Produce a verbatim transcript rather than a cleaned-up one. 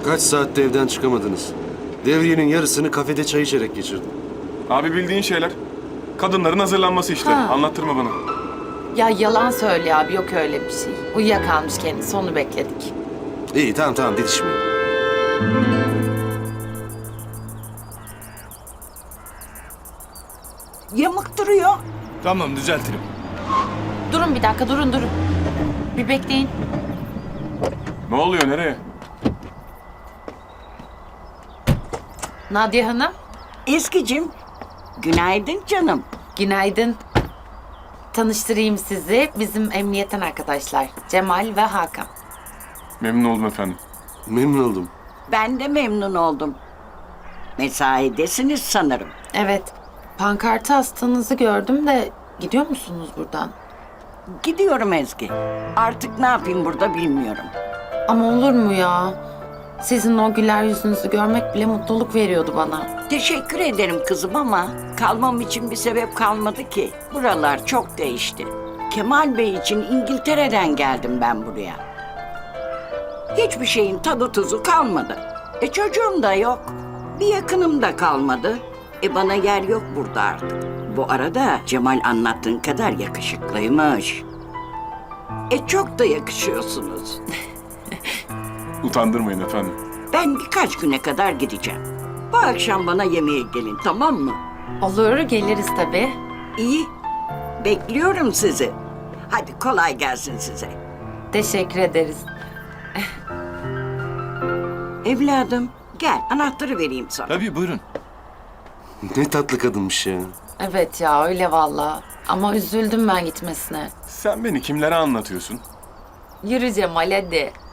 Kaç saatte evden çıkamadınız? Devriyenin yarısını kafede çay içerek geçirdim. Abi bildiğin şeyler. Kadınların hazırlanması işte. Ha. Anlattırma bana. Ya yalan söyle abi, yok öyle bir şey. Uyuyakalmış kendisi, onu bekledik. İyi tamam tamam didişmeyin. Yamuk duruyor. Tamam düzeltirim. Durun bir dakika, durun durun. Bir bekleyin. Ne oluyor, nereye? Nadia Hanım, Ezgi'cim, günaydın canım. günaydın. Tanıştırayım sizi. Bizim emniyetten arkadaşlar. Cemal ve Hakan. Memnun oldum efendim. Memnun oldum. Ben de memnun oldum. Mesaidesiniz sanırım. Evet, pankartı astanızı gördüm de gidiyor musunuz buradan? Gidiyorum Ezgi. Artık ne yapayım burada bilmiyorum. Ama olur mu ya? Sizin o güler yüzünüzü görmek bile mutluluk veriyordu bana. Teşekkür ederim kızım ama kalmam için bir sebep kalmadı ki. Buralar çok değişti. Kemal Bey için İngiltere'den geldim ben buraya. Hiçbir şeyin tadı tuzu kalmadı. E çocuğum da yok. Bir yakınım da kalmadı. E bana yer yok burada artık. Bu arada Cemal anlattığın kadar yakışıklıymış. E çok da yakışıyorsunuz. Utandırmayın efendim. Ben birkaç güne kadar gideceğim. Bu akşam bana yemeğe gelin, tamam mı? Olur, geliriz tabii. İyi. Bekliyorum sizi. Hadi kolay gelsin size. Teşekkür ederiz. Evladım gel anahtarı vereyim sana. Tabii buyurun. Ne tatlı kadınmış ya. Evet ya, öyle valla. Ama üzüldüm ben gitmesine. Sen beni kimlere anlatıyorsun? Yürü Cemal hadi.